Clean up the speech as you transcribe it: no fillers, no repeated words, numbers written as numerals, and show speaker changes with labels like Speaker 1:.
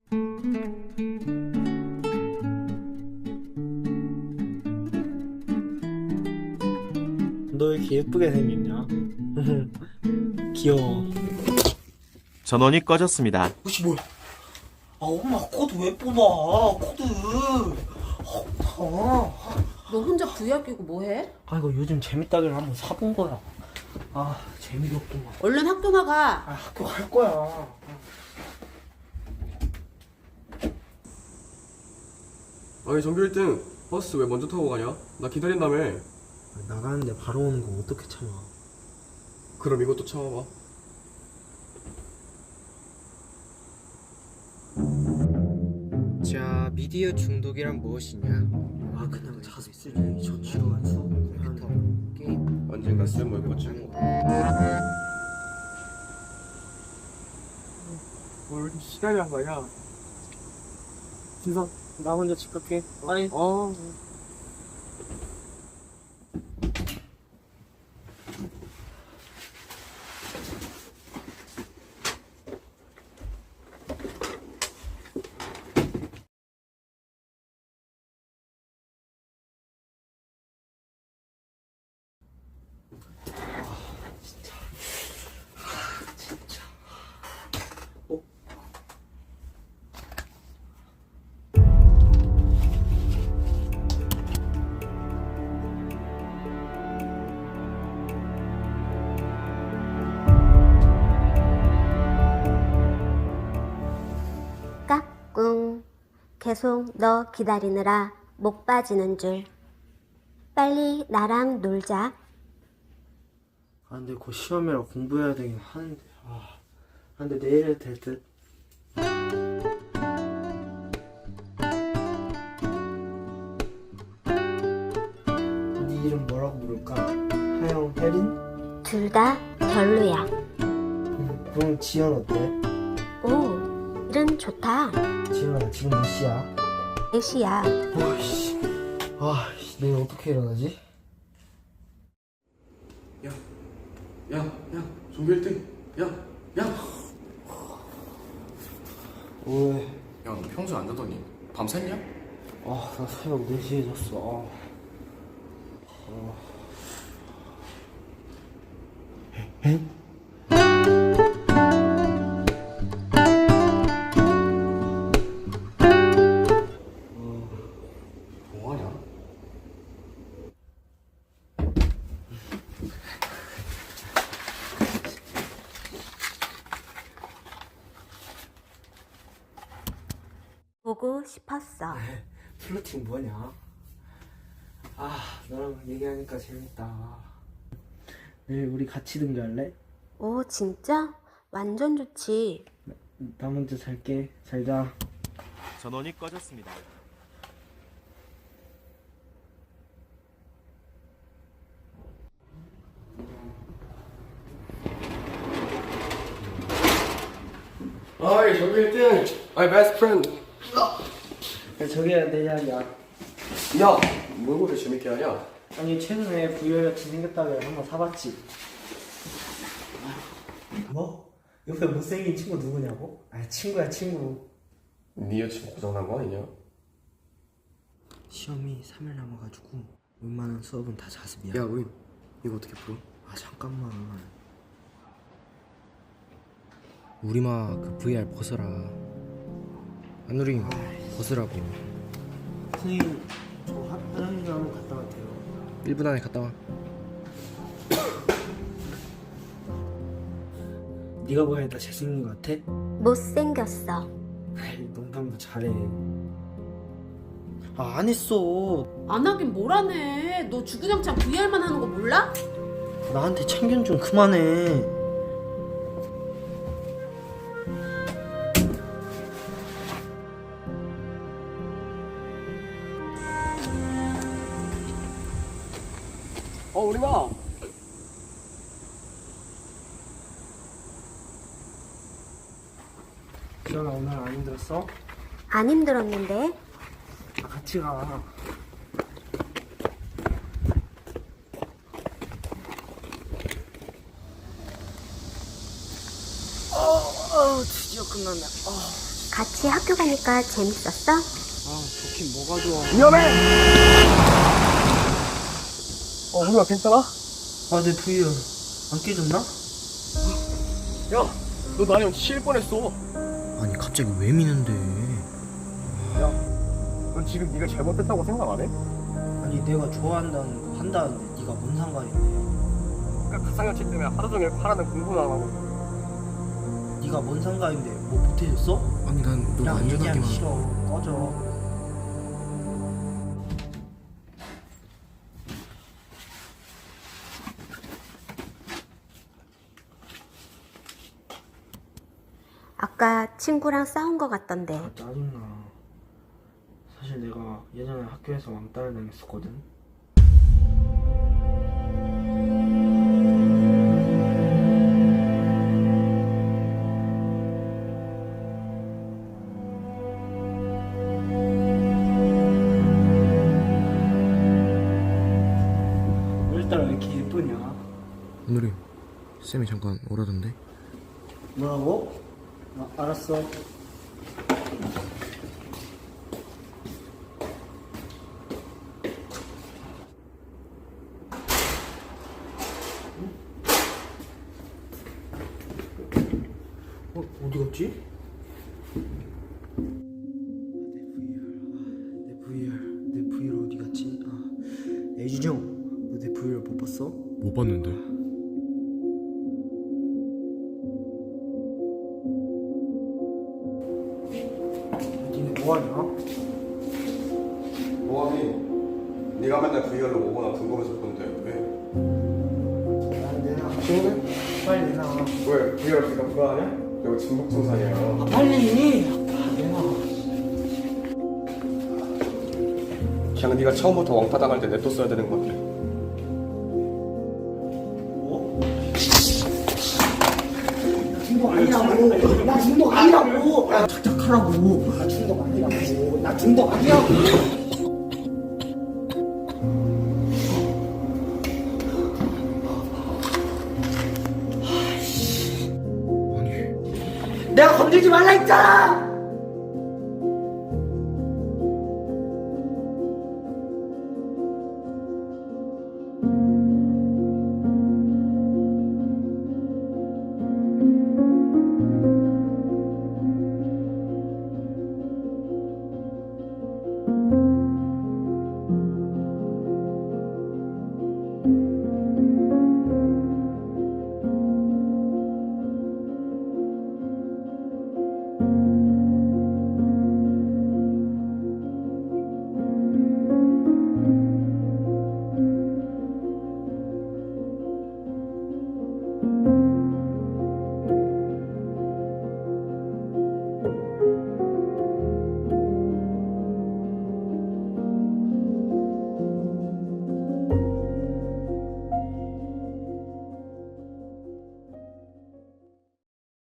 Speaker 1: 너 왜 이렇게 예쁘게 생겼냐? 귀여워.
Speaker 2: 전원이 꺼졌습니다.
Speaker 1: 혹시 뭐야? 아 엄마 코드 왜 뽑아? 코드.
Speaker 3: 너 혼자 VR 끼고 뭐해?
Speaker 1: 아 이거 요즘 재밌다길래 한번 사본 거야. 아 재미가 없구만.
Speaker 3: 얼른 학교 나가.
Speaker 1: 아 학교 갈 거야.
Speaker 4: 아니 전교 1등 버스 왜 먼저 타고 가냐? 나 기다린다며.
Speaker 1: 나가는데 바로 오는 거 어떻게 참아?
Speaker 4: 그럼 이것도 참아봐.
Speaker 5: 자, 미디어 중독이란 무엇이냐?
Speaker 1: 아 그냥 자습실에 저지루한 수업
Speaker 5: 컴퓨터, 게임,
Speaker 4: 언젠가 쓸모에 꽂히는 거.
Speaker 1: 뭘 시간이 한 거냐? 진성 나 먼저 집 갈게. 아니
Speaker 6: 까꿍. 계속 너 기다리느라 목 빠지는 줄. 빨리 나랑 놀자.
Speaker 1: 아 근데 곧 시험이라 공부해야 되긴 하는데 근데 내일 해도 될 듯. 네 이름 뭐라고 부를까? 하영, 혜린?
Speaker 6: 둘 다 별로야.
Speaker 1: 그럼 지연 어때?
Speaker 6: 오, 이름 좋다.
Speaker 1: 지연아 지금 몇 시야?
Speaker 6: 4시야.
Speaker 1: 와씨 내일 어떻게 일어나지?
Speaker 4: 야, 전교 1등. 야.
Speaker 1: 왜?
Speaker 4: 야, 너 평소 안 자더니 밤 샜냐?
Speaker 1: 나 새벽 4시에 잤어.
Speaker 4: 뭐하냐?
Speaker 6: 보고 싶었어.
Speaker 1: 플러팅 뭐냐? 너랑 얘기하니까 재밌다. 내일 우리 같이 등교할래?
Speaker 6: 오, 진짜? 완전 좋지.
Speaker 1: 나 먼저 잘게. 잘 자.
Speaker 2: 전원이 꺼졌습니다.
Speaker 4: 아이 전교 1등. 아이 베스트 프렌드.
Speaker 1: 저기야 내 이야기야.
Speaker 4: 야, 뭘 그렇게 재밌게 하냐?
Speaker 1: 아니 최근에 VR같이 생겼다길래 한번 사봤지. 뭐? 옆에 못생긴 친구 누구냐고? 친구야 친구.
Speaker 4: 네 여친 고장난 거 아니냐?
Speaker 1: 시험이 3일 남아가지고 웬만한 수업은 다 자습이야.
Speaker 4: 야, 우리 이거 어떻게 풀어?
Speaker 1: 잠깐만.
Speaker 5: 우리마 그 VR 벗어라. 안우림 벗으라고.
Speaker 1: 선생님 저 화장실 좀 한번 갔다 갈게요.
Speaker 5: 1분 안에 갔다 와.
Speaker 1: 네가 보기엔 나 잘생긴 거 같아?
Speaker 6: 못생겼어.
Speaker 1: 농담도 잘해. 안 했어.
Speaker 3: 안 하긴 뭘 하네. 너 주구장창 VR만 하는 거 몰라?
Speaker 1: 나한테 참견 좀 그만해.
Speaker 4: 우리마.
Speaker 1: 지연아 오늘 안 힘들었어?
Speaker 6: 안 힘들었는데?
Speaker 1: 같이 가. 드디어 끝났네.
Speaker 6: 같이 학교 가니까 재밌었어?
Speaker 1: 아, 좋긴 뭐가 좋아.
Speaker 4: 위험해! 우리가 괜찮아?
Speaker 1: 아, 내 VR 안 깨졌나?
Speaker 4: 야, 너 나랑 치일 뻔했어.
Speaker 5: 아니 갑자기 왜 미는데?
Speaker 4: 야, 넌 지금 네가 잘못했다고 생각 안 해?
Speaker 1: 아니, 내가 좋아한다는 거 한다는데 네가 뭔 상관인데?
Speaker 4: 그러니까 가상현실 때문에 하루 종일 하라는 공부도 안 하고.
Speaker 1: 네가 뭔 상관인데 뭐 못해줬어?
Speaker 5: 아니 난 너
Speaker 1: 그냥 얘기하기
Speaker 5: 안전하게만.
Speaker 1: 싫어. 꺼져.
Speaker 6: 아까 친구랑 싸운 거 같던데.
Speaker 1: 아, 짜증나. 사실 내가 예전에 학교에서 왕따를 당했었거든. 오늘따라 왜 이렇게 예쁘냐?
Speaker 5: 오늘이 쌤이 잠깐 오라던데.
Speaker 1: 뭐라고? 알았어. 어디 갔지? 내 VR 어디 갔지? 아, 애준형, 너 내 VR 못 봤어?
Speaker 4: 못 봤는데.
Speaker 1: 니네 뭐하냐?
Speaker 4: 뭐하니? 네가 맨날 VR로 오거나 궁금해서 본데 왜?
Speaker 1: 내놔.
Speaker 4: 친구네?
Speaker 1: 빨리 내놔.
Speaker 4: 왜? VR 없으니까 불안하냐? 여기 진북청산이야.
Speaker 1: 빨리. 내놔.
Speaker 4: 그냥 네가 처음부터 왕따 당할 때 냅뒀어야 되는 건데.
Speaker 1: 뭐? 나 중독 아니라고. 나 중독 아니라고. 야, 착착하라고. 나 중독 아니라고. 나 중독 아니라고.
Speaker 5: 아니
Speaker 1: 내가 건들지 말라 했잖아.